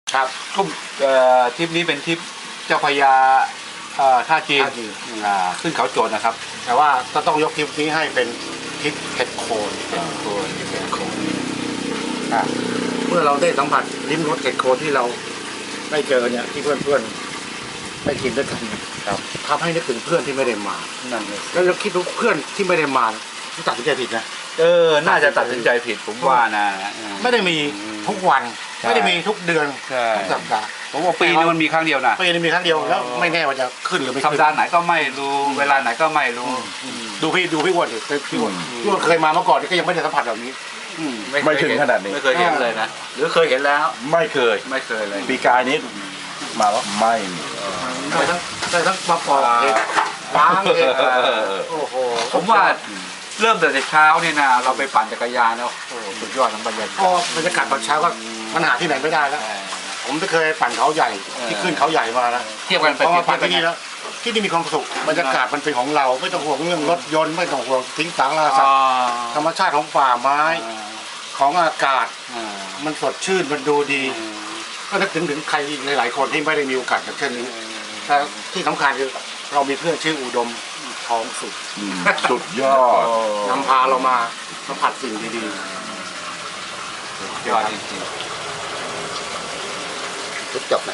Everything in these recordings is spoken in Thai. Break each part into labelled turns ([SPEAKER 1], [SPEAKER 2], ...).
[SPEAKER 1] ครับ
[SPEAKER 2] ทริปนี้เป็นทริปเจ้าพระยาท่าจีนขึ้นเขาโจรนะครับ
[SPEAKER 1] แต่ว่าก็ต้องยกทริปนี้ให้เป็นทริปเห็ดโคนเมื่อเราได้สัมผัสลิ้มรสเห็ดโคนที่เราได้เจอเนี่ยที่เพื่อนๆได้กินด้วยกันครับทำให้นึกถึงเพื่อนที่ไม่ได้มา
[SPEAKER 2] นั่นเลย
[SPEAKER 1] แล้วเราคิดว่าเพื่อนที่ไม่ได้มาตัดสินใจผิดนะ
[SPEAKER 2] น่าจะตัดสินใจผิดผมว่านะ
[SPEAKER 1] ไม่ได้มีทุกวันไม่ได้มีทุกเดือนทุกสัปดาห์
[SPEAKER 2] ผมว่าปีนึงมันมีครั้งเดียวนะ
[SPEAKER 1] ปีนึงมีครั้งเดียวแล้วไม่แน่ว่าจะขึ้นหรือไม่
[SPEAKER 2] สัปดาห์ไหนก็ไม่รู้เวลาไหนก็ไม่รู้
[SPEAKER 1] ดูพี่อ้วนดิพี่อ้วนเคยมาเมื่อก่อนก็ยังไม่ได้สัมผัสแบบนี้
[SPEAKER 3] ไม่ถึงขนาดนี้
[SPEAKER 2] ไม่เคยเห็นเลยนะหรือเคยเห็นแล้ว
[SPEAKER 3] ไม่เคย
[SPEAKER 2] เลย
[SPEAKER 3] ปีกายนี้มาว่าไม่มี
[SPEAKER 1] ได้ทั้งมาปอกเห็ดล้างเห็ดโอ้โห
[SPEAKER 2] ผมว่าเริ่มแต่เช้าเนี่ยนะเราไปปั่นจักรยานแล้วโอ้สุดยอดทั้งบรรยากาศ
[SPEAKER 1] บรรยากาศตอนเช้าก็มันหาที่ไหนไม่ได้แล้วผมไม่เคยปั่นเขาใหญ่ที่ขึ้นเขาใหญ่มานะ
[SPEAKER 2] เทียบกันไป
[SPEAKER 1] ปั่นที่นี่แล้วที่นี่มีความสุขบรรยากาศมันเป็นของเราไม่ต้องห่วงเรื่องรถยนต์ไม่ต้องห่วงทิ้งสังราสัตว์ธรรมชาติของป่าไม้ของอากาศมันสดชื่นมันดูดีก็นึกถึงใครหลายๆคนที่ไม่ได้มีโอกาสแบบเช่นนี้แต่ที่สำคัญคือเรามีเพื่อนชื่ออุดมท้องสุด
[SPEAKER 3] ยอด
[SPEAKER 1] นำพาเรามาสัมผัสสิ่งดี
[SPEAKER 2] ๆยอดจริง
[SPEAKER 4] ๆทุกจบไหน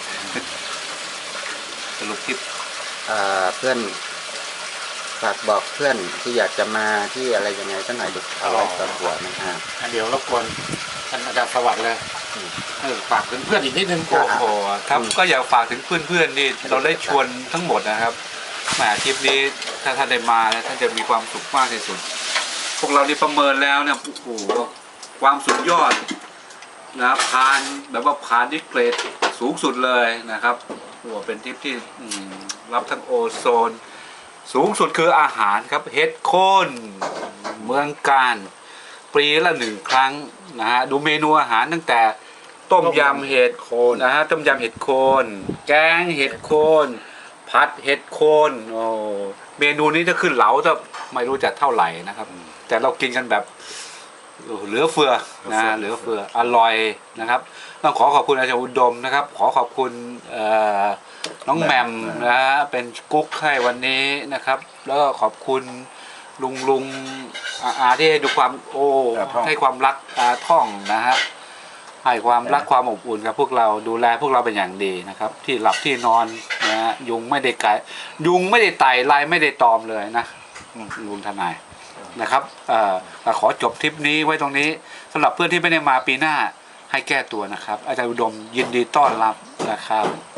[SPEAKER 2] สรุปคลิป
[SPEAKER 4] เพื่อนฝากบอกเพื่อนที่อยากจะมาที่อะไรยังไงสักหน่อยดูเอาไว้ตอนหัวนะฮะ
[SPEAKER 1] เดี๋ยวรบกวนท่านอาจารย์สวัสดิ์เลยฝากถึงเพื่อนอีกนิดนึง
[SPEAKER 2] โอ้โหครับก็อยากฝากถึงเพื่อนๆนี่เราได้ชวนทั้งหมดนะครับแหมทริปนี้ถ้าท่านได้มาท่านจะมีความสุขมากที่สุดพวกเราที่ประเมินแล้วเนี่ยโอ้โหความสุดยอดนะผ่านแบบว่าผ่านที่เกรดสูงสุดเลยนะครับโอ้เป็นทริปที่รับทั้งโอโซนสูงสุดคืออาหารครับเห็ดโคนเมืองการปีละ1 ครั้งนะฮะดูเมนูอาหารตั้งแต่ต้มยำเห็ดโคนนะฮะต้มยำเห็ดโคนแกงเห็ดโคนผัดเห็ดโคนโอ้เมนูนี้จะขึ้นเหลาจะไม่รู้จักเท่าไหร่นะครับแต่เรากินกันแบบเหลือเฟือนะเหลือเฟืออร่อยนะครับต้องขอบคุณอาจารย์อุดมนะครับขอบคุณน้องแหม่มนะฮะเป็นกุ๊กให้วันนี้นะครับแล้วก็ขอบคุณลุงอาที่ให้ดูความให้ความรักท่องนะฮะให้ความรักความอบอุ่นกับพวกเราดูแลพวกเราเป็นอย่างดีนะครับที่หลับที่นอนนะฮะยุงไม่ได้ไต่ลายไม่ได้ตอมเลยนะลุงทนายนะครับขอจบทริปนี้ไว้ตรงนี้สำหรับเพื่อนที่ไม่ได้มาปีหน้าให้แก้ตัวนะครับอาจารย์อุดมยินดีต้อนรับนะครับ